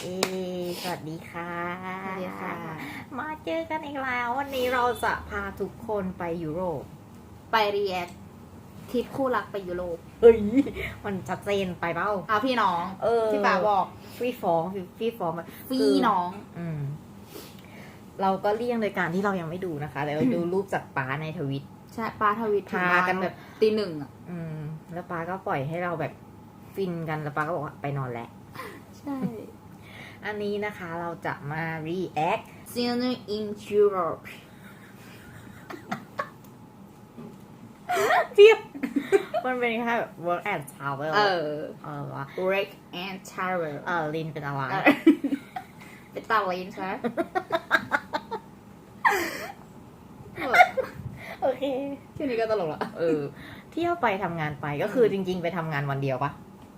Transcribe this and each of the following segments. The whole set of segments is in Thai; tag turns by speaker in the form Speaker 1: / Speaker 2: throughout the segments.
Speaker 1: สวัสดีค่ะ
Speaker 2: สวัสดีค่ะ
Speaker 1: มาเจอกันอีกแล้ววันนี้เราจะพาทุกคนไปยุโรป
Speaker 2: ไปรีแอคทริปคู่รักไปยุโรป
Speaker 1: เฮ้ย มันชัดเจนไปเปล่า
Speaker 2: เอาพี่น้อง ที่ป๋าบอก
Speaker 1: ฟรีฟ้องฟรีฟ้อง
Speaker 2: พี่น้อง
Speaker 1: เราก็เลี่ยงโดยการที่เรายังไม่ดูนะคะแต่เราดูรูปจากป้าในทวิต
Speaker 2: ใช่ป้าทวิต
Speaker 1: พากันแบบ
Speaker 2: ตีหนึ่งอ่ะ
Speaker 1: แล้วป้าก็ปล่อยให้เราแบบฟินกันแล้วป้าก็บอกว่าไปนอนแล้ว
Speaker 2: ใช่
Speaker 1: อันนี้นะคะเราจะมา react
Speaker 2: Dinner in Europe
Speaker 1: เทียบ มันเป็นแค่แบบ work and travel ว่า
Speaker 2: Work and Travel
Speaker 1: ลินเป็นอะไร
Speaker 2: เป็นตาลินใช่ไหม
Speaker 1: โอเค
Speaker 2: ชื่อนี้ก็ตลกละ
Speaker 1: เที่ยวไปทำงานไปก็คือจริงๆไปทำงานวันเดียวปะ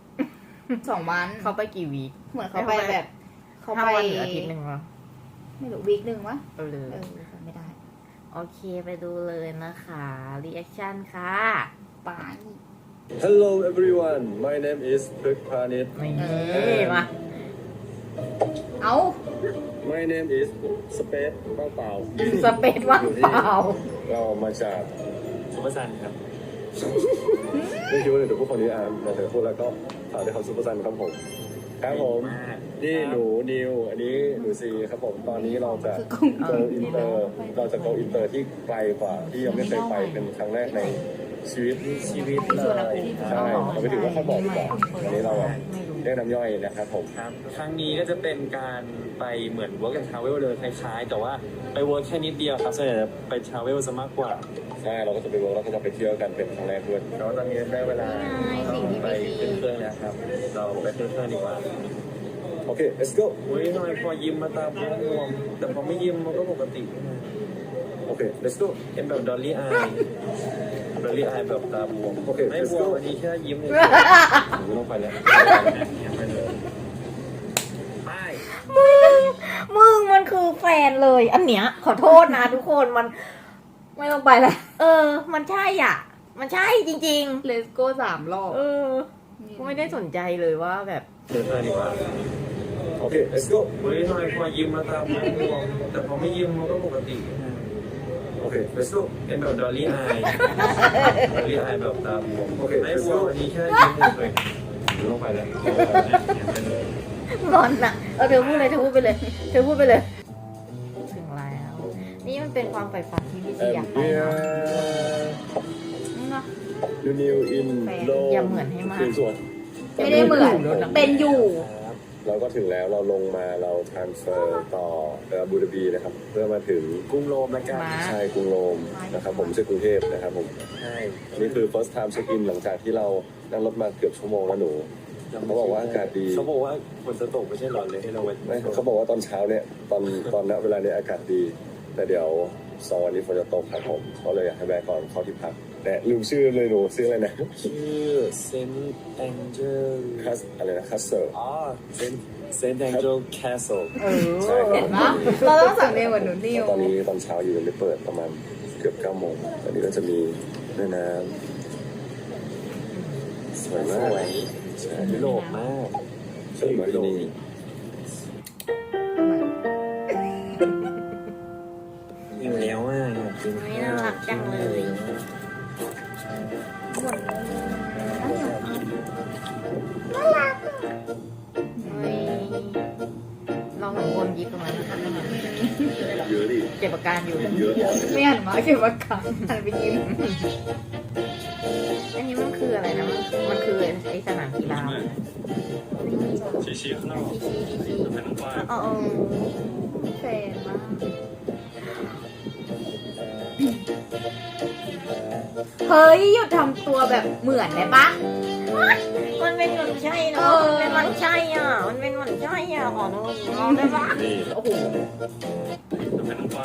Speaker 2: 2 วัน
Speaker 1: เขาไปกี่วีค
Speaker 2: เหมือนเขาไปแบบเขา
Speaker 1: 5
Speaker 2: ไป
Speaker 1: วันหรืออาทิตย์หนึ่งวะ
Speaker 2: ไม่รู้วีคหนึ่งวะ
Speaker 1: เลย
Speaker 2: จำไม่ได้
Speaker 1: โอเคไปดูเลยนะคะ reaction ค่ะ
Speaker 2: ป้า
Speaker 3: Hello everyone, my name is Prik Pranit.
Speaker 1: นี่มา
Speaker 2: เอา
Speaker 3: My name is Space ว่างเปล่า
Speaker 1: สเปซว่างเปล่า
Speaker 3: เรามาจาก
Speaker 4: ซุปเปอร์ซันครับ
Speaker 3: ไม่คิดว่าเดี๋ยวพูดคนนี้แต่เธอพูดแล้วก็ฝากด้วยครับซุปเปอร์ซันครับผมครับผมนี่หนูนิวอันนี้หนูซีครับผมตอนนี้เราจะ go inter เราจะ go inter ที่ไกลกว่าที่ยังไม่เคยไปเป็นครั้งแรกในชีวิต
Speaker 4: เลยค
Speaker 3: ใช่
Speaker 4: รับ
Speaker 3: เราไปถึงว่าเขาบอกดีกว่าอันนี้เราเรียกน้ำย่อยนะครับผม
Speaker 4: ครับ ครั้งนี้ก็จะเป็นการไปเหมือน work and travel เลยคล้ายๆ แต่ว่าไป work แค่นิดเดียวครับส่วนใหญ่จะไป travel ซะมากกว่า
Speaker 3: ใช่เราก็จะไปเวิร์กแล้วก็จะไปเที่ยวกันเป็นครั้งแรกด้วย
Speaker 4: แล้วตอนนี้ได้เวลา
Speaker 1: สิ่งที่
Speaker 4: ไป
Speaker 1: ไม่ดี
Speaker 4: ขึ้นเครื่องแล้วครับ เราไปขึ้นเครื่องดีกว่า
Speaker 3: โอเค let's go
Speaker 4: อุ้ยทำไมพอยิ้มมาตาบวมแต่พอไม่ยิ้มมันก็ปกติ
Speaker 3: โอเค let's go
Speaker 4: เป็นแบบดอลลี่อายดอลลี่อายแบบตาบวม
Speaker 3: โอเค
Speaker 4: ไม่บวมอันนี้แค่ยิ้มเลย
Speaker 3: ไม่ต้องไปแล้ว
Speaker 4: ไปเลยไป
Speaker 1: มึงมันคือแฟนเลย อันเนี้ยขอโทษนะทุกคนมัน
Speaker 2: ไม่ต้องไปแล้ว
Speaker 1: มันใช่อ่ะ มันใช่จริง
Speaker 2: เลสโก้3 รอบ
Speaker 1: ก็ไม่ได้สนใจเลยว่าแบบ
Speaker 4: ขึ้นเครื่องดีกว่า
Speaker 3: โอเค let's go
Speaker 4: อุ้ยทำไมพอยิ้มมาตาบวมแต่พอไม่ยิ้มมันก็ปกติ
Speaker 3: โอเค let's go
Speaker 4: เป็นแบบดอลลี่อายดอลลี่อายแบบตาบวม
Speaker 3: โอเค
Speaker 4: ไม่บวมอันนี้แค่ยิ้มเลยไม่ต้องไปแล้ว
Speaker 1: งอนอ่ะเธอพูดเลยเธอพูดไปเลยเธอพูดไปเลย ถึงแล้ว นี่มันเป็นความใฝ่ฝันที่พี่ซีอยากไปเนาะ
Speaker 3: New New in
Speaker 1: อย่าเหมือนให้มาก
Speaker 3: ส่วน
Speaker 2: ไม่ได้เหมือน เป็นอยู่
Speaker 3: เราก็ถึงแล้วเราลงมาเรา transfer ต่อไปอาบูดาบีนะครับ เพื่อมาถึง
Speaker 4: กรุงโรมแล้วกัน
Speaker 1: มา
Speaker 3: ใช่กรุงโรมนะครับผมไม่ใช่กรุงเทพนะครับผม
Speaker 4: ใช่
Speaker 3: อันนี้คือ first time check in หลังจากที่เรานั่งรถมาเกือบชั่วโมงแล้วหนู เขาบอกว่าอากาศดี
Speaker 4: เขาบอกว่าฝนจะตกไม่ใช่หรอเลยให้เราไป
Speaker 3: ไม่เขาบอกว่าตอนเช้าเนี่ยตอนณเวลาเนี้ยอากาศดี แต่เดี๋ยว2 วันนี้ฝนจะตกครับผมเขาเลยอยากให้แวะก่อนเข้าที่พักแต่ลืมชื่อเลยหนูชื่ออะไรนะ
Speaker 4: ชื่อเซนต์แองเจล
Speaker 3: คัสอะไรนะคัสเซอร์
Speaker 4: อ๋อเซนต์แองเจลแคสเซิล
Speaker 3: ใช่ค
Speaker 2: เห็
Speaker 3: รั
Speaker 2: น
Speaker 3: บ
Speaker 2: ปะเราต้องสั่งเรียนเหมือนหนูนิว
Speaker 3: ตอนนี้ตอนเช้าอยู่ยังไม่เปิดประมาณเกือบ9 โมงตอนนี้ก็จะมีแม่น้ำสวย
Speaker 4: ส
Speaker 3: มาก
Speaker 4: วย
Speaker 3: ใช่
Speaker 4: ยุโรปมาก
Speaker 3: สวยมากที่นี่
Speaker 4: อยู่แล้วอ่ะอยากกิน
Speaker 1: ไม่น่ารักจังเลยเฮ้ยเราสองคนยิบตรงนั้น
Speaker 3: เยอะดิ
Speaker 1: เก็บอาการอยู่
Speaker 3: เยอะ
Speaker 2: ไม่หันมาเก็บอาการหันไปยิ้ม
Speaker 1: อันนี้มันคืออะไรนะ มันคือไอสนามกีฬา
Speaker 4: ชี้ชี้ข้างนอก
Speaker 1: ชี้เป็นน้องป้า
Speaker 2: แฟนมากเฮ้ย หยุดทำตัวแบบเหมือนได้ปะ
Speaker 1: มันเป็นมันใช่เนาะมันเป็นมันใช่อ่ะ มันเป็นมันใช่อ่ะขอโทษลองได้ปะ
Speaker 3: นี่
Speaker 2: โอ้โห
Speaker 4: เป็นน้องป้า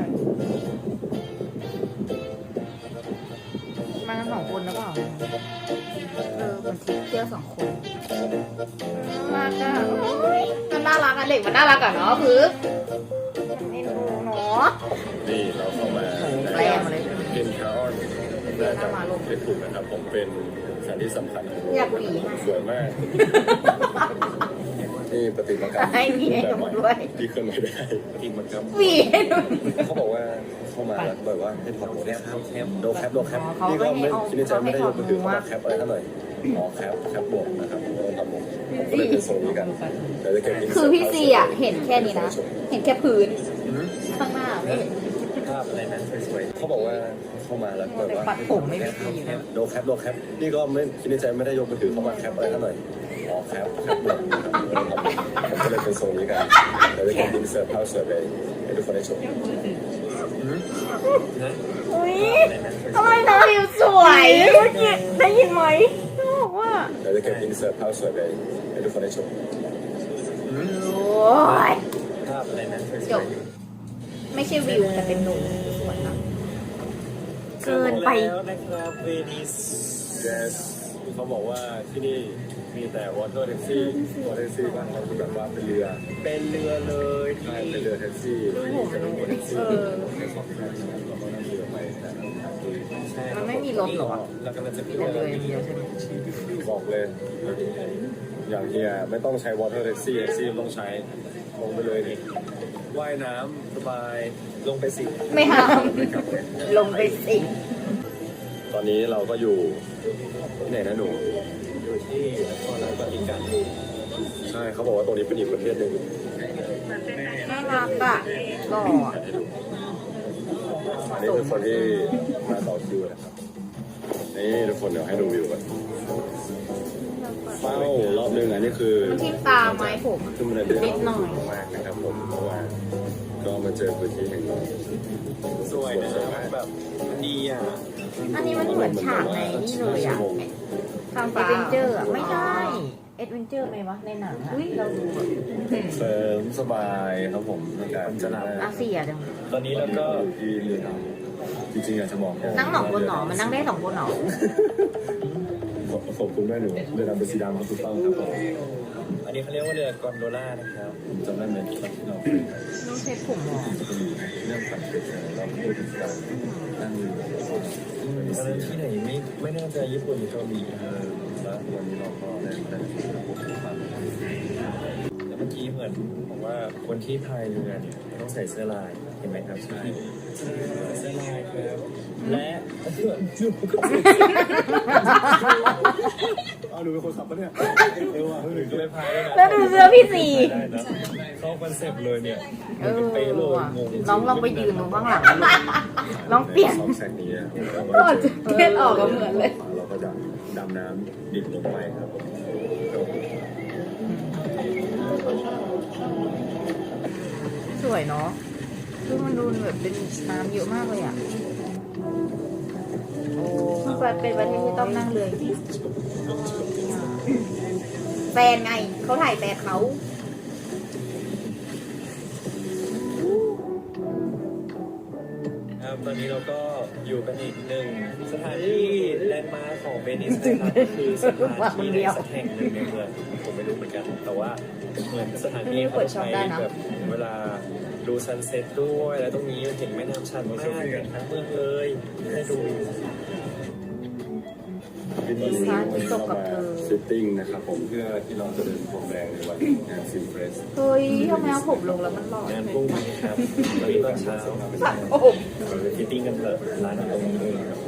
Speaker 1: มากัน2 คนหรือเปล่า
Speaker 2: มันทริปเที่ยว2 คน
Speaker 1: มากอ่ะ
Speaker 2: มันน่ารักอะเด็กมันน่ารักอะเนาะคือ
Speaker 1: ไม่รู้เนาะ
Speaker 3: นี่เราเข้ามา
Speaker 1: แปลมาเลย
Speaker 3: เป็นคาร์ออนน่าจะไม่ถูกนะครับผมเป็นสถานที่สำคัญของโลก
Speaker 2: อยากหวี
Speaker 3: สวยมากนี่ปฏิมากรรม
Speaker 1: ให้มีให้หนูด้วย
Speaker 3: ที่เคลื่อนไหวได้ปฏิมากรรม
Speaker 1: มีให้หนู
Speaker 3: เขาบอกว่าเข้ามาแล้วแบบว่าให้ถอดหมวกครับโดแคป
Speaker 1: เขา
Speaker 3: นี่ก็
Speaker 1: ไม่ให้
Speaker 3: ไม่
Speaker 1: เอา
Speaker 3: คิดในใจไม่ได้ยกมือถือ
Speaker 1: เขาให้ถอดหมวก
Speaker 3: เข้ามาแคปอะไรเท่าไหร่อ๋อแคปบวกนะครับถอดหมวกผมก็เลยเป็นทรงนี้กันเดี๋ยวจะเก็บ
Speaker 2: คือพี่ซีอ่ะเห็นแค่นี้นะ เห็นแค่พื้น
Speaker 1: ข้างหน้าไม่เห็น
Speaker 4: ภาพอะไรนะสวย
Speaker 3: เขาบอกว่าเข้ามาแล้วแบบว่า
Speaker 1: ปัดผมไม่มีอยู่นะ
Speaker 3: โดแคปนี่ก็ไม่คิดในใจไม่ได้ยกมือถือเข้ามาแคปอะไรเท่าไหร่อ๋อแคปบวกนะครับผมก็เลยเป็นทรงนี้กันเดี๋ยวจะเก็บอินเสิร์ตภาพเสิร์ฟเลยให้ทุกคนได้ชม
Speaker 4: ๆนะ
Speaker 1: อุ้ย
Speaker 4: อะไรนะ
Speaker 1: ทำไมน้องอยู่สวยเมื่อกี้ได้ยินไหมเขาบอกว่า
Speaker 3: เดี๋ยวจะเก็บอินเสิร์ตภาพเสิร์ฟเลยให้ทุกคนได้ชม
Speaker 1: โอ้ย
Speaker 4: ภาพอะไรนะสวย
Speaker 2: จบ ไม่ใช่วิวแต่เป็นหนูสวยนะ
Speaker 4: ๆ
Speaker 1: เกินไป
Speaker 4: แล้วนะครับเวนิส
Speaker 3: yes เขาบอกว่าที่นี่มีแต่ water taxi water taxi บ้านเราคือแบบว่าเป็นเรือ
Speaker 4: เป็นเรือเลย
Speaker 3: ใช่เป็นเรือแท็กซี่ที่นี่จะเป็น water taxi แค่สองคันเราก็นั่งเรือไปแต่ละทางที่
Speaker 4: ใช่
Speaker 1: มันไม่มีรถเหรอ
Speaker 4: เรากำลังจะขึ้น
Speaker 1: แต่
Speaker 4: เรือ
Speaker 1: เลยเดียวใช่ไหม
Speaker 3: บอกเลย อย่างเฮียไม่ต้องใช้ water taxi แท็กซี่ต้องใช้ลงไปเลยนี่ว่ายน้ำสบาย
Speaker 4: ลงไปสิ
Speaker 2: ไม่ห้าม
Speaker 1: ลงไปสิ
Speaker 3: ตอนนี้เราก็อยู่ที่ไหนนะหนู
Speaker 4: อยู่ที่นครราชสีมา
Speaker 3: ใช่เขาบอกว่าตรงนี้เป็นอีกประเทศหนึ่ง
Speaker 1: น่ารักอ่ะหล่ออะ
Speaker 3: อันนี้คือคนที่มาต่อคิวนะครับ นี่ทุกคนเดี๋ยวให้ดูวิวกันเฝ้ารอบนึงอันนี้คือ
Speaker 2: ทิ่มตาไม้ผม
Speaker 3: ขึ้นมาเดือด
Speaker 1: นิดหน่อย
Speaker 3: มากนะครับผมเพราะว่าก็มาเจอพื้นที่แห่งนี้
Speaker 4: สวยนะแบบมันดีอ่ะ
Speaker 1: อันนี้มันเหมือนฉากในนี่เลยอ่ะ
Speaker 2: ข้าม
Speaker 1: เอ
Speaker 2: ฟ้า
Speaker 1: ดเวนเจอร์อ่ะ ไม่ใช่เอ็ดเวนเจอร์ไหมวะ ในหนังอ่ะที่เราดูอะ
Speaker 3: เสริมสบายครับผมในการ
Speaker 4: จะหลับ
Speaker 1: อาเซียจัง
Speaker 4: ตอนนี้เราก็
Speaker 3: ที่เรือดำจริงๆอยากจะบอก
Speaker 1: นั่งหนองบนหนอมันนั่งได้2 คนหนอ
Speaker 3: ขอบคุณแม่หนูเรือดำเป็นสีดำครับถูกต้องครับผม
Speaker 4: อันนี้เขาเรียกว่าเรือกอนโดล่านะครับ
Speaker 3: ผมจำได้ไหมตอนที่เรา
Speaker 1: น้องเซ็ตผมหรอ
Speaker 3: จะมีเรื่องสังเกตเราพูดถึงการนั่งเรือ
Speaker 4: ตอนนั้นที่ไหนไม่น่าจะญี่ปุ่นหรือเกาหลี
Speaker 3: แล้ววันนี้เราก็ได้พบกับความ
Speaker 4: แต่เมื่อกี้เหมือนบอกว่าคนที่พายเรือเนี่ยต้องใส่เสื้อลายเห็นไหมครับใช่เสื้อลายครับและเสื้อ
Speaker 3: อ้าวหนูเป็นคนขับปะเนี่ยเออว่ะ
Speaker 4: หนึ่งก็ไปพายด้วยนะ
Speaker 1: แล้วดูเสื้อพี่สี
Speaker 4: ได้นะเข้าคอนเซ็ปต์เลยเนี่ย
Speaker 1: เออ
Speaker 4: เป๊ะเลย
Speaker 1: ว่ะ
Speaker 4: งง
Speaker 1: น้องลองไปยืนตรงข้างหลังดูลองเปลี่ยน
Speaker 3: สองแสงนี้
Speaker 2: ก่อนจะเก็ตออกก็เหมือนเลย
Speaker 3: เราก็จะดำน้ำดิ่งลงไปครับผม
Speaker 1: สวยเนาะคือมันดูแบบเป็นน้ำเยอะมากเลยอ่ะ โอ้มันเป็นประเทศที่ต้องนั่งเรือจริง
Speaker 2: แฟนไง เขาถ่ายแฟนเขา
Speaker 4: ครับตอนนี้เราก็อยู่กันอีกหนึ่งสถานที่แลนด์มาร์คของเวนิสนะครับก็คือสถานที่ในสักแห่งหนึ่งในเมืองผมไม่รู้เหมือนกันแต่ว่าเหมือนสถานที่เขาจะใช้แบบเวลาดูซันเซ็ตด้วยแล้วตรงนี้เห็นแม่น้ำชันมากเห็นทั้งเมืองเลยให้ดู
Speaker 3: วิธีนี้วันนี้เรามาซิตติ้งนะครับผมเพื่อที่เราจะเดินพรมแดงในวันงานซิมเฟรส
Speaker 1: ๆเฮ้ยทำไมเอาผมลงแล้วมันหล่อง
Speaker 4: านพรุ่งนี้ครับตอนนี้ตอนเช้า
Speaker 1: โอ้โห
Speaker 4: เราไปฟิตติ้งกันเถอะร้านตรงนี้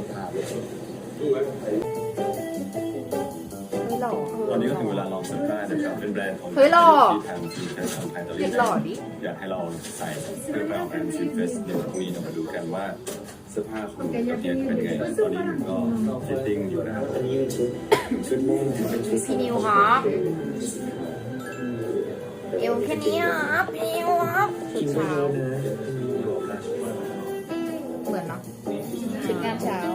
Speaker 1: ไม่หล่อ
Speaker 3: ตอนนี้ก็ถึงเวลาลองเสื้อผ้านะครับเป็นแบรนด์ของ
Speaker 2: เฮ้ยหล่อ
Speaker 3: ที่ทางทีมแฟนของไทยตอน
Speaker 2: เห็
Speaker 3: นี้
Speaker 2: นหล่อดิ
Speaker 3: อยากให้เราใส่เพื่อไปออกงานซิมเฟรสเดี๋ยวพรุ่งนี้เรามาดูกันว่าเสื้อผ้าของประเทศเป็นไงตอนนี้ผมก็ฟิตติ้งอยู่นะครับ
Speaker 4: อันนี้เป็นชุดม่วงเป็นชุด
Speaker 1: พี่นิวครับเอวแค่นี้ครับพี่นิวครับ
Speaker 2: ชุดเช้า เหมือนเนาะชุดงานเช้า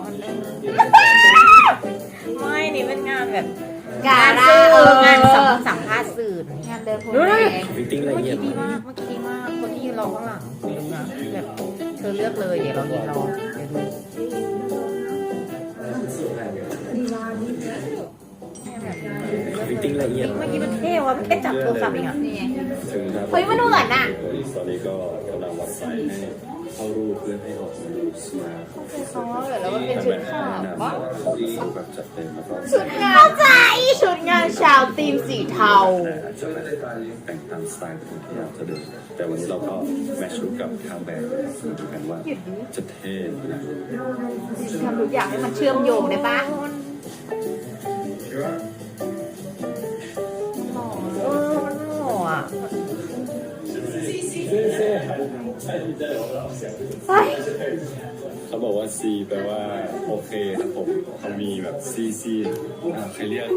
Speaker 1: ไม่นี่เป็นงานแบบ
Speaker 2: การ่า
Speaker 1: สื่องานสัมภาษณ์สื่องานเดินพรมแดง
Speaker 4: ฟิตติ้งละ
Speaker 1: เมื่อ
Speaker 4: เอีย
Speaker 1: กี้
Speaker 4: ด
Speaker 1: ดีมาก เมื่อกี้ดีมาก คนที่ยืนรอข้างหลังดูนะแบบเธอเลือกเลยเดี๋ยวเรายืนรอเดี๋ยวดูให้แบบเลือก
Speaker 4: ฟิตติ้งละเอียด
Speaker 1: เมื่อกี้มันเท่ว่ะมันแค่จับโทรศัพท์เองอ่ะ
Speaker 2: นี่ไง
Speaker 3: ถึงครับ
Speaker 2: เฮ้ยมันเหมือนน่ะ
Speaker 3: ตอนนี้ก็กำลังวัดไซส์ให้เข้ารูปเพื่อให้ออกมาดูสมาร์ท
Speaker 1: เขาแล้วมันเป็นชุดขาวปะ
Speaker 3: แบบจัดเต็มแล้วก็
Speaker 1: ชุดงานใจชุดงานชาวทีมสีเทา
Speaker 3: อาจจะไม่ได้แต่งตามสไตล์ที่เราจะเดินแต่วันนี้เราก็แมทช์ชุดกับทางแบบมาดูกันว่าจะเท่หรือ
Speaker 2: ทำทุกอย่างให้มันเชื่อมโยงได้ปะ
Speaker 1: มันหล่ออ่ะ
Speaker 3: เขาบอกว่า C แปลว่าโอเคครับผมเขามีแบบ C ใครเรียก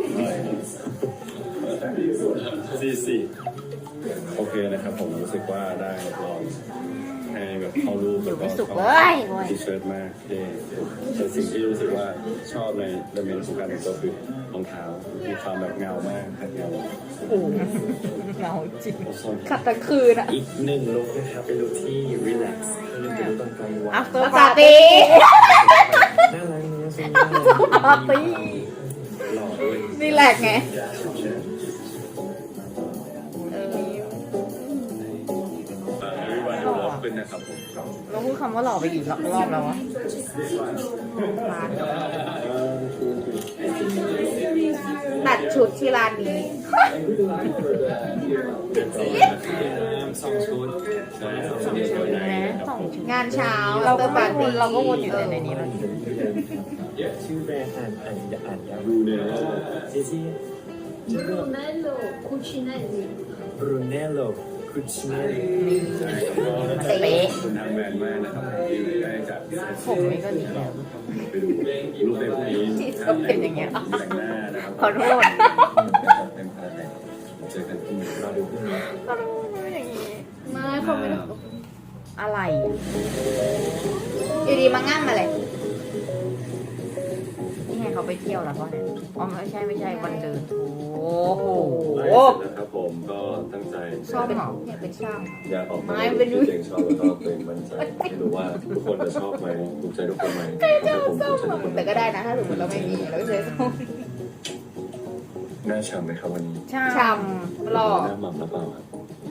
Speaker 3: C โอเคนะครับผมรู้สึกว่าได้ลองให้แบบเข้ารูป
Speaker 1: อยู่ไม่สุก
Speaker 3: ก็
Speaker 1: เลยโว้ย
Speaker 3: ทีเชิร์ตมากเท่แต่สิ่งที่รู้สึกว่าชอบในเดเมนของการแต่งตัวคือรองเท้ามีความแบบเงามากครับเงา
Speaker 1: โอ้เงาจริง
Speaker 2: ขัดตะคืนอ่ะ
Speaker 4: อีกหนึ่งลุคนะครับเป็นลุคที่รีแลกซ์เป็นลุคตอนกลางวัน
Speaker 1: after
Speaker 2: ปาร์
Speaker 1: party
Speaker 2: ตี้
Speaker 4: น่ารักนะซึ่งน่ารัก
Speaker 1: ปาร์ตี้
Speaker 4: หล่อด้วย
Speaker 2: นี่แหละไง
Speaker 3: วันดูรอบขึ้นนะครับผม
Speaker 1: เราพูดคำว่าหล่อไปกี่รอบแล้ววะ
Speaker 2: ตัดชุดที่ร้านนี้
Speaker 4: สองชุดใช่ครับสองชุด
Speaker 1: นะสองชุด
Speaker 2: งานเช้า
Speaker 1: เราก็
Speaker 2: ปาร์ตี้
Speaker 1: เราก็วนอยู่ในนี้แล้ว
Speaker 4: ชื่อแบรนด์อ่านยาว
Speaker 3: ดูเนี่ย
Speaker 4: ซีซี
Speaker 5: Brunello Cucinelli.
Speaker 4: Brunello Cucinelli
Speaker 1: เป๊ะ
Speaker 3: คุณทำแบรนด์มากนะครับที่ได้จัด
Speaker 1: ผมนี่ก็ดีแล้ว
Speaker 3: ไปดูรูปในพวกนี้
Speaker 1: ที่ชอบเป็นอย่างเงี้ย
Speaker 3: แต่งหน้านะครับ
Speaker 1: ขอโทษ
Speaker 3: เป็นพาราไดเจอกันที่เราดูพรุ่งนี้
Speaker 1: ขอโทษอย่างงี้
Speaker 2: ไม่เขาไม่ได้
Speaker 1: อะไร
Speaker 2: อยู่ดีมาง่างมาเลย
Speaker 1: นี่ไงเขาไปเที่ยวแล้วป่ะเนี่ยอ๋อไม่ใช่วันเดินโอ้โห
Speaker 3: นะครับผมก็ตั้งใจ
Speaker 2: ชอบเหรออยากเป็นช่าง
Speaker 3: อยากออกมา
Speaker 2: ไม่เป็น
Speaker 3: ที่ตัวเองชอบแล้วก็เป็นมั่นใจไม่รู้ว่าทุกคนจะชอบไหมถูกใจทุกคนไหมถ้าผมถูกใจทุกคน
Speaker 2: แต่ก็ได้นะถ้าสมมติเราไม่มีเราก็ใช้ส้ม
Speaker 3: หน้าฉ่ำไหมครับวันนี้
Speaker 1: ใช่
Speaker 2: ช่ำหล่อ
Speaker 3: หน้าหม่ำหรือเปล่าครับ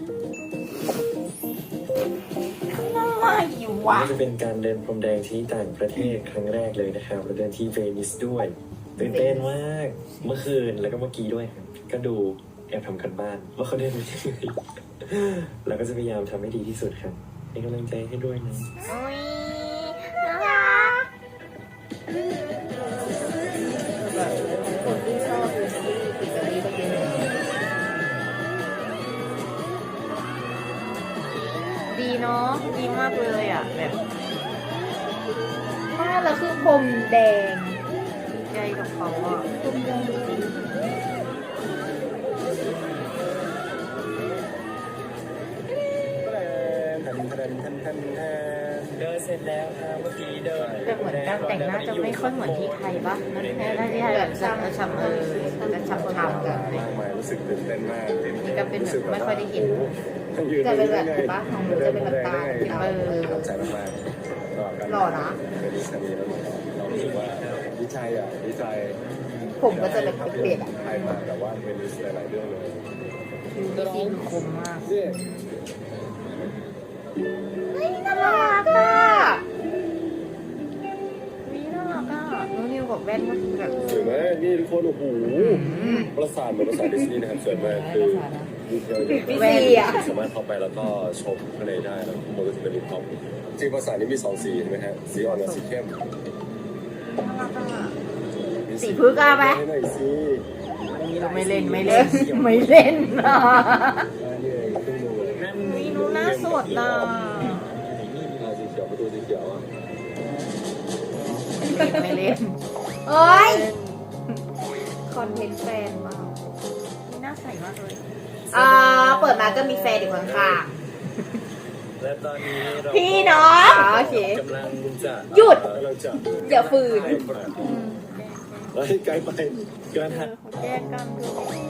Speaker 1: ไม่วะ
Speaker 4: นี่จะเป็นการเดินพรมแดงที่ต่างประเทศครั้งแรกเลยนะครับเราเดินที่เวนิสด้วยตื่นเต้นมากเมื่อคืนแล้วก็เมื่อกี้ด้วยครับก็ดูแอบทำกันบ้านว่าเขาเดินไปที่ไหนแล้วก็จะพยายามทำให้ดีที่สุดครับเป็นกำลังใจให้ด้วยนะ
Speaker 1: อุ้ยน่ารัก
Speaker 2: คนที่ชอบดูซีรีส์อิตาลีก็เยอะ
Speaker 1: ดีเนาะดีมากเลยอ่ะแบบ
Speaker 2: บ้านเราคือพรมแดง
Speaker 1: ใจกับเขาอ่ะ
Speaker 2: พรมแดง
Speaker 4: เดินเสร็จแล้วครับเมื่อกี้เดิน
Speaker 1: แต่เหมือนการแต่งหน้าจะไม่ค่อยเหมือนที่ไทยปะนั่นแค่ได้ที่ไทยแบบช้ำจะช้ำกัน
Speaker 3: มากมายรู้สึกตื่นเต้นมาก
Speaker 1: นี่ก็เป็นแบบไม่ค่อยได้เห็น
Speaker 2: จะเป็นแบบบ้านของหนูจะเป็นแบบตา
Speaker 3: ขอบใจมากๆ
Speaker 2: หล่อนะ
Speaker 3: เป็นดิสนีย์แล้วเรารู้สึกว่าดีใจอ่ะดีใจ
Speaker 2: ผมก็จะแบบเปลี่ยนๆอ่ะ
Speaker 3: ไทยมาแต่ว่าเป็นดิสนีย์หลายเรื่องเลย
Speaker 1: ดูดีคมมาก
Speaker 2: น่ารักอ่ะ
Speaker 1: วิน่ารักอ่ะน้องนิวกับแว่นก็คือแบบ
Speaker 3: สวยมากนี่ทุกคนโอ้โหประสาทเหมือนประสาทดิสนีย์นะครับสวยมากคือดีเทลเยอะ
Speaker 2: พี่ซีอ่ะ
Speaker 3: สามารถเข้าไปแล้วก็ชมข้างในได้แล้วมันก็จะเป็นรูปท็อปจริงภาษานี้มี2 สีใช่ไหมฮะสีอ่อนกับสีเข้ม
Speaker 1: น่ารักอ่ะ
Speaker 3: มี
Speaker 2: สีพึกษ์อะไหม
Speaker 3: ให้หน่อยสิ
Speaker 1: ไม่เล่นไม่เล่นไม่เล่นนะ
Speaker 3: อันนี้เองครึ่งนึงเลย
Speaker 1: วินูน่าสดนะ
Speaker 3: สีเขียวประตูสีเขียวอ่ะ
Speaker 1: ไม่เล่น
Speaker 2: เอ้ยคอนเทนต์แฟนมาก
Speaker 1: น่าใส่มากเลย
Speaker 2: เปิดมาก็มีแฟนอยู่ข้าง
Speaker 4: และตอนนี้เรา
Speaker 2: ๆพี่น้องโอเค
Speaker 4: กำลังจะ
Speaker 2: หยุด
Speaker 3: กำลังจะ
Speaker 2: อย่าฝืน
Speaker 3: เฮ้ยไกลไป
Speaker 4: การหัด
Speaker 1: เขาแยกกันดู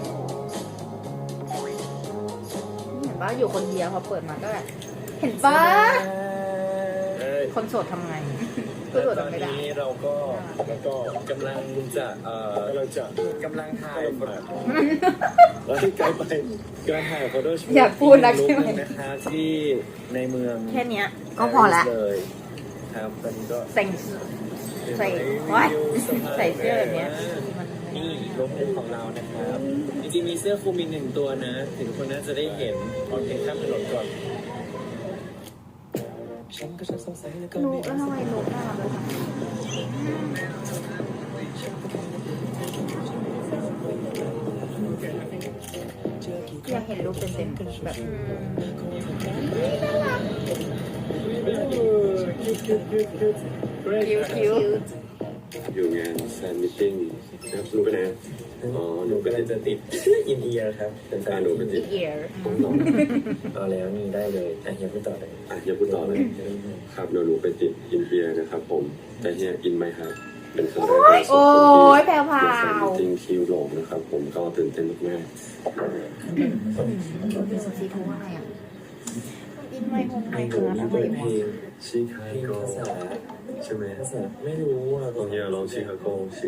Speaker 2: เห็นปะอยู่คนเดียวพอเปิดมาก็แบบเห็นปะ
Speaker 3: เฮ้ย
Speaker 1: คนโสดทำไงพูดสด
Speaker 4: ตอน
Speaker 1: ไม่ได้
Speaker 4: นี้เราก็กำลังจะกำลังถ่าย
Speaker 3: แล้วที่ไกลไป
Speaker 4: การถ่ายโฟโต้ชูต
Speaker 1: อยากพูดนะใช่ไหม
Speaker 4: นะคะที่ในเมือง
Speaker 1: แค่เนี้ยก็พอละ
Speaker 4: เลยครับตอนนี้ก็
Speaker 1: ใส่ใส่ว้ายใส่เสื้อแบบเนี้ยมัน
Speaker 4: นี่รถของเรานะครับจริงๆมีเสื้อคลุมอีกหนึ่งตัวนะถึงทุกคนน่าจะได้เห็นตอนเพลงข้ามถนนก่อนฉันก็จะสงสัยแล้วก็
Speaker 2: นุ
Speaker 4: ไม่
Speaker 2: แล้วทำไมนุน่ารักเลยคะ อยากเห็นรูปเต็มๆแบบ
Speaker 1: คิ้วคิ้ว
Speaker 3: อยู่งานแฟนมิทติ้งนะครับหนูไปไหนอ๋อหนูไป
Speaker 4: กำลัง
Speaker 3: ติด
Speaker 4: จะติดอินเดียครับเป็นแฟน
Speaker 3: หนูไปติด
Speaker 1: เอียร์
Speaker 4: เอาแล้วนี่ได้เลยอ่ะยังไม่ต่อเลย
Speaker 3: อย่าพูดต่อเลยครับเดี๋ยวหนูไปติดอินเดียนะครับผมแต่เฮียอินไหมครับเป็นครั้งแรกในชี
Speaker 1: โอ้
Speaker 3: วิต
Speaker 1: ยแพรวพ
Speaker 3: ที่
Speaker 1: รา
Speaker 3: แฟน
Speaker 1: ว
Speaker 3: มิทติ้งคิวหลงนะครับผมก็ตื่นเต้นมาก
Speaker 2: ซีทูอะไรอ่ะ
Speaker 1: อินไม่คง
Speaker 4: ไอ้
Speaker 1: ไม่
Speaker 4: หนู
Speaker 1: เกิน
Speaker 4: นี่
Speaker 1: อะไร
Speaker 4: เปิดเพล
Speaker 1: วะ
Speaker 4: ง
Speaker 3: ๆชิคา
Speaker 4: เพลง
Speaker 3: โก
Speaker 4: ภาษา
Speaker 3: ใช่ไหม
Speaker 4: ภาษาไม่รู้อ่ะ
Speaker 3: ตอนเฮียร้องชิคาโก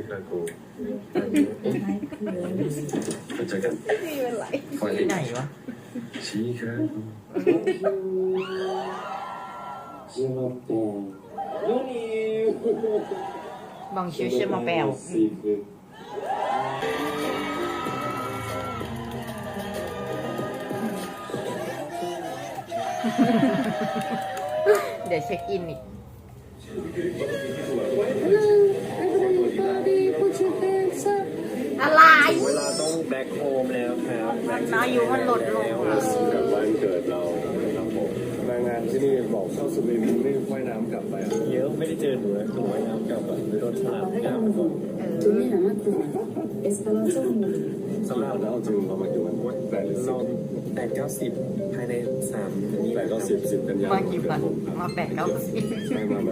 Speaker 3: ก็เจอกัน
Speaker 1: ไม่เป็นไร
Speaker 3: ไฟล์
Speaker 1: ที่ไหนวะ
Speaker 3: ชิคาโก
Speaker 1: บองชิวเชมาแปลวเดี๋ยวเช็คอินอีก
Speaker 2: อะไร
Speaker 4: เวลาต้องแบ็คโฮมแล้วครับ
Speaker 1: อายุมันลดลงอะ
Speaker 3: กับวันเกิดเราครับผมมางานที่นี่บอกเข้าสุรินทร์ไม่ว่ายน้ำกลับไป
Speaker 4: เยอะไม่ได้เจอหนูเลยหนูว่ายน้ำกลับอ่ะโดนฉลามน้ำก่อน
Speaker 3: สำหรับแล้วจริงเรามากี่วัน8 หรือ
Speaker 4: ลอง8-9-10ภายใน3
Speaker 3: 10 8 9 10 10 กันยาย
Speaker 1: มาน กี่วันมา8-9
Speaker 3: ใช่มา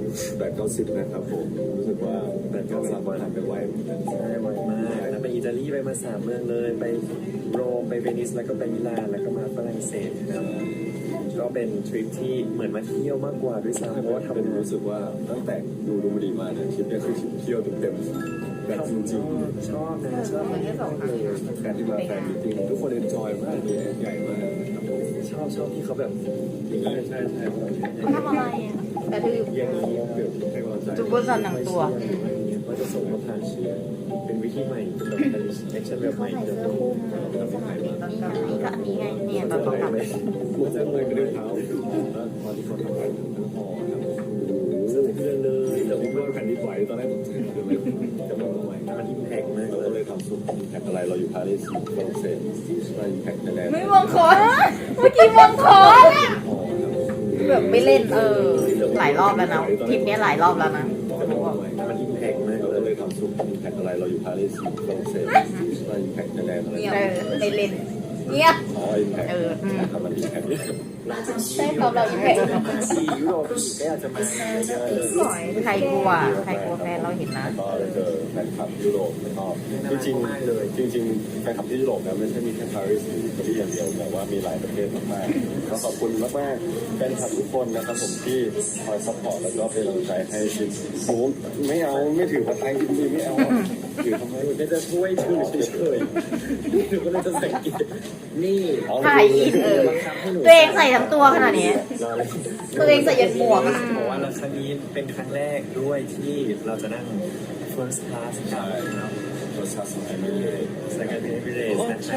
Speaker 3: 8 9 10นะครับผมรู้สึกว่า8 9 10ผ่านไปไวเหมือนกัน
Speaker 4: ใช่บ่อยมากแล้วไปอิตาลีไปมา3 เมืองเลย ไปโรมไปเวนิสแล้วก็ไปมิลานแล้วก็มาฝรั่งเศสครับก็เป็นทริปที่เหมือนมาเที่ยวมากกว่าด้วยซ้ำเพราะว่าทำ
Speaker 3: เป็น
Speaker 4: งาน
Speaker 3: รู้สึกว่าตั้งแต่ดูมาดีมาเนี่ยทริปนี้คือทริปเที่ยวเต็มๆแบบจริง
Speaker 4: ชอบนะชอบที่2 ครั้ง
Speaker 3: ๆการที่มาแฟนมิทติ้งทุกคนเอนจอยมากเลยใหญ่มากครับผม
Speaker 4: ชอบที่เขาแบบ
Speaker 3: ใช่ใช่ใช่
Speaker 1: เขาทำอะไรอ่ะแต่ถือ
Speaker 3: อย่างนี้เกิดให้กำลังใจ
Speaker 1: จุบเบอร์ซันหนังตัว
Speaker 4: ว่าจะส่งมาผ่านเชียร์เป็นวิธีใหม่เป็นแบบเป็นแอคชั่นแบบใหม่
Speaker 2: ใส่
Speaker 4: เดี๋ยว
Speaker 2: เสื้อ
Speaker 4: ดู
Speaker 2: คลุมที่สนามบินตอน
Speaker 1: นี่
Speaker 2: ก
Speaker 1: ไง
Speaker 2: ลาง
Speaker 1: ก็อันนี้ไงเนี่ยตอนเขาทำ
Speaker 3: มันจะเลยกระเด็นเท้าแล้วตอนที่เขาทำงานทั้งหอครับ
Speaker 4: สะเทือนเลยแต่
Speaker 3: ผม
Speaker 4: ว่า
Speaker 3: ว่าแผ่นดินไหวตอนแรกผมเกิดอะไรจะไม่ไหว
Speaker 4: มันอิมแพกมาก
Speaker 3: เรา
Speaker 4: เล
Speaker 3: ก็เลย ยทำซุปอิมแพคอะไรเราอยู่ปารีสฝรั่งเศสเราอิมแพคยังไง
Speaker 1: ไม่มองคอนเมื่อกี้มองคอนแบบไม่เล่นหลายรอบแล้วนะทริปนี้หลายรอบแล้วนะ
Speaker 4: มันอิมแพกมาก
Speaker 3: เรา
Speaker 4: เล
Speaker 3: ก็เลย ยทำซุปอิมแพคอะไรเราอยู่ปารีสฝรั่งเศสเราอิมแพคยังไง
Speaker 1: ไม่เล่นเงียบ
Speaker 3: อ๋ออิมแพค
Speaker 1: อืม
Speaker 3: มันอิมแพค
Speaker 1: ใช่ครับเราอิมแพค
Speaker 4: ซียุโรปก็อยากจะมาเยอะเลย
Speaker 1: ใครกลัวแฟนเราเห็นนะ
Speaker 3: ก็เลยเจอแฟนคลับยุโรปแล้วก็จริงๆแฟนคลับที่ยุโรปนะไม่ใช่มีแค่ปารีสหรืออิตาลีอย่างเดียวแต่ว่ามีหลายประเทศมากๆก็ขอบคุณมากๆแฟนคลับทุกคนนะครับผมที่คอยซัพพอร์ตแล้วก็เป็นกำลังใจให้ชิปโอ้ไม่เอาไม่ถือผัดไทยจริงๆไม่เอาถือทำไม
Speaker 4: ก็จะช่วยถือเฉยๆหนูก็เลยจะสังเกตนี่
Speaker 1: ถ่ายอินตัวเองใส่ทั้งตัวขนาดนี้ ตัวเองใส่ยันหมวก
Speaker 4: บอกว่าครั้งนี้เป็นครั้งแรกด้วยที่เราจะนั่ง first class กับนะครับ
Speaker 3: รสชาติสมัยไม่เลย
Speaker 4: สกายเบรสนะครับ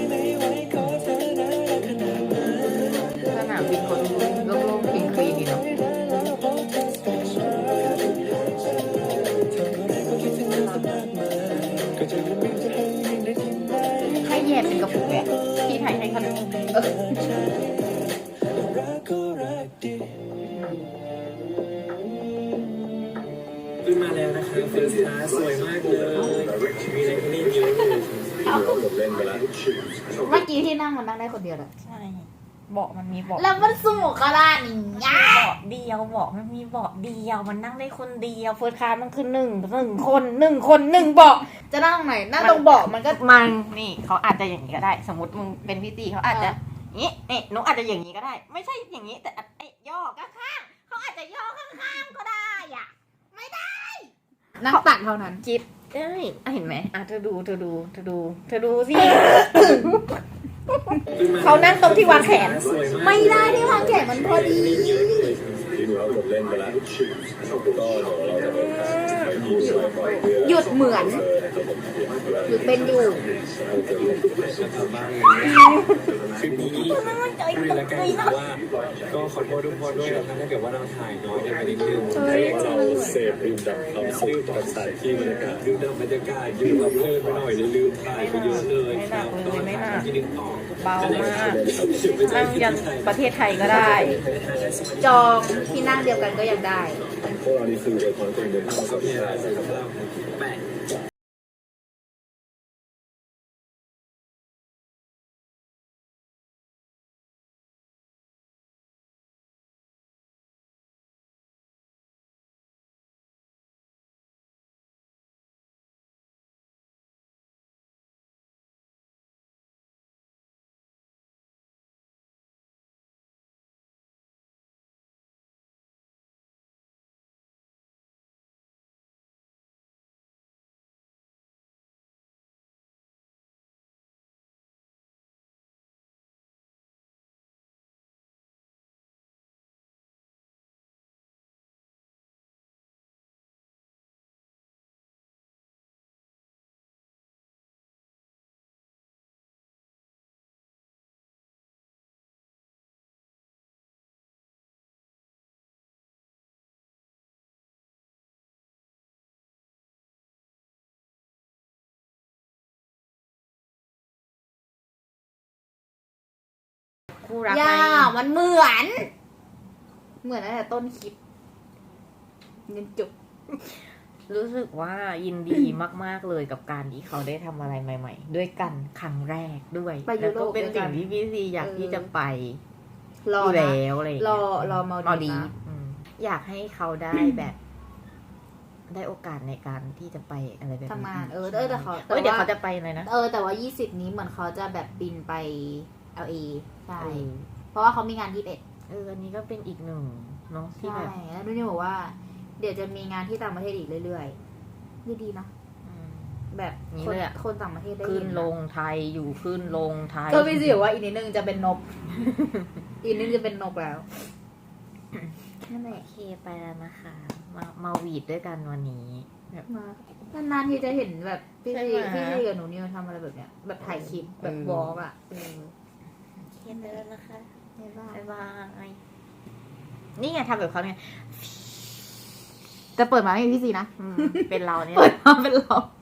Speaker 1: สนามบินคนโล่งๆคลีนๆดีเนาะให้แยกเป็นกระปุกเนี่ยที่ไทยให้ขนม
Speaker 4: ขึ้นมาแล้วนะครับ first class สวยมากเลยมีอะไรให้เล่นเยอะเลย
Speaker 3: ผมเล่นไปแล้ว
Speaker 2: เมื่อกี้ที่นั่งมันนั่งได้คนเดียวเหรอ
Speaker 1: ใช่เบาะมันมีเบาะ
Speaker 2: แล้วมันสูงขนาดนี้
Speaker 1: เบาะเดียวเบาะมันมีเบาะเดียวมันนั่งได้คนเดียวเฟิร์สคลาสมันคือหนึ่งคนหนึ่งเบาะ
Speaker 2: จะนั่งตรงไหนนั่งตรงเบาะมันก็
Speaker 1: มันนี่เขาอาจจะอย่างนี้ก็ได้ สมมติมึงเป็นพี่ตีเขาอาจจะนี่หนูอาจจะอย่างนี้ก็ได้ ไม่ใช่อย่างนี้แต่ย่อข้างๆเขาอาจจะย่อข้างๆก็ได้อ่ะ
Speaker 2: นั่งตักเท่านั้น
Speaker 1: จิ๊บเอ้ยเห็นไหมเธอดูสิ เขานั่งตรงที่วางแขน
Speaker 4: สวยาก
Speaker 2: ไม่ได้ที่วางแขนมันพอดี
Speaker 4: เยอะเลย
Speaker 3: ที่ดูแล้วจบเล่นไปแล้วก็เดี๋ยวเราจะเดินทางไปที่สวยก่อนเรือ
Speaker 2: หยุดเหมือน หยุดเป็นอยู่
Speaker 4: คลิปนี้คุยแล้วกันว่าก็ขอโทษทุกคนด้วยนะครับถ้าเกิดว่าเราถ่ายน้อยกันไปนิดนึง
Speaker 3: ให้เราเสพดื่มด่ำความสุขกับสถานที่บรรยากาศ
Speaker 4: ดื่มด่ำบรรยากาศยืมเอาเพลินไปหน่อยลืมถ่ายไปเยอะเลยครับก็ถ่ายที่นึงต่อ
Speaker 1: เบามากนั่งยันประเทศไทยก็ได้
Speaker 2: จองที่นั่งเดียวกันก็ยังได้
Speaker 3: พวกเรานี่คือเป็นคนตัวเอง
Speaker 4: เราก็มีอะไรสำหรับแปะ
Speaker 1: คู่รัก
Speaker 2: ย่า
Speaker 1: ไง
Speaker 2: มันเหมือน เหมือนตั้งแต่ต้นคลิปเงินจบ
Speaker 1: รู้สึกว่ายินดีมากๆเลยกับการที่เขาได้ทำอะไรใหม่ ๆ ด้วยกันครั้งแรกด้วย
Speaker 2: ไปยุ
Speaker 1: แล้ว
Speaker 2: โร
Speaker 1: ก็
Speaker 2: ป
Speaker 1: เป็น
Speaker 2: ด้วยกั
Speaker 1: สิ่
Speaker 2: น
Speaker 1: งที่พี่ซีอยากที่จะไป
Speaker 2: รอ
Speaker 1: อยู่
Speaker 2: นะ
Speaker 1: แล้วอะไรอย่าง
Speaker 2: ร
Speaker 1: เงี้
Speaker 2: อย มา
Speaker 1: ดี
Speaker 2: ดีนะ
Speaker 1: อยากให้เขาได้แบบ ได้โอกาสในการที่จะไปอะไรแบบนี้
Speaker 2: ทำงาน
Speaker 1: อีก
Speaker 2: แต่เขา
Speaker 1: เดี๋ยวเขาจะไปเลยนะ
Speaker 2: แต่ว่า20 นี้เหมือนเขาจะแบบบินไป LA ใช่
Speaker 1: เออ
Speaker 2: เพราะว่าเขามีงาน21
Speaker 1: อันนี้ก็เป็นอีกหนึ่งเนาะที่
Speaker 2: ใช่
Speaker 1: แบบ
Speaker 2: แล้วดูนี่บอกว่า เดี๋ยวจะมีงานที่ต่างประเทศอีกเรื่อยๆดีนะ
Speaker 1: อืม
Speaker 2: แบบ
Speaker 1: นี่
Speaker 2: คน
Speaker 1: เลยอะ
Speaker 2: คนต่างประเทศได้
Speaker 1: ขึ้น
Speaker 2: เห็น
Speaker 1: ลงไทยอยู่ขึ้นลงไทย
Speaker 2: ก็พี่สิบอกว่าอีกนิดนึงจะเป็นนก อีกนิดนึงจะเป็นนกแล้วนั่นแห
Speaker 1: โอ
Speaker 2: ละ
Speaker 1: เคไปแล้วนะคะ มาหวีดด้วยกันวันนี้แบบ
Speaker 2: มานานๆที่จะเห็นแบบพี่
Speaker 1: ใช่
Speaker 2: ซี
Speaker 1: ไหม
Speaker 2: พี่ซีกับหนูนิวทำอะไรแบบเนี้ยแบบถ่ายคลิปแบบวอล์กอ่ะ
Speaker 1: โอเคไปแล้วนะคะ
Speaker 2: บ๊ายบาย
Speaker 1: บ๊ายบาย นี่ไงทำแบบเขาไง
Speaker 2: จะเปิดมาไม่มีพี่ซีนะ
Speaker 1: เป็นเราเนี่ย
Speaker 2: เปิดมาเป็นเรา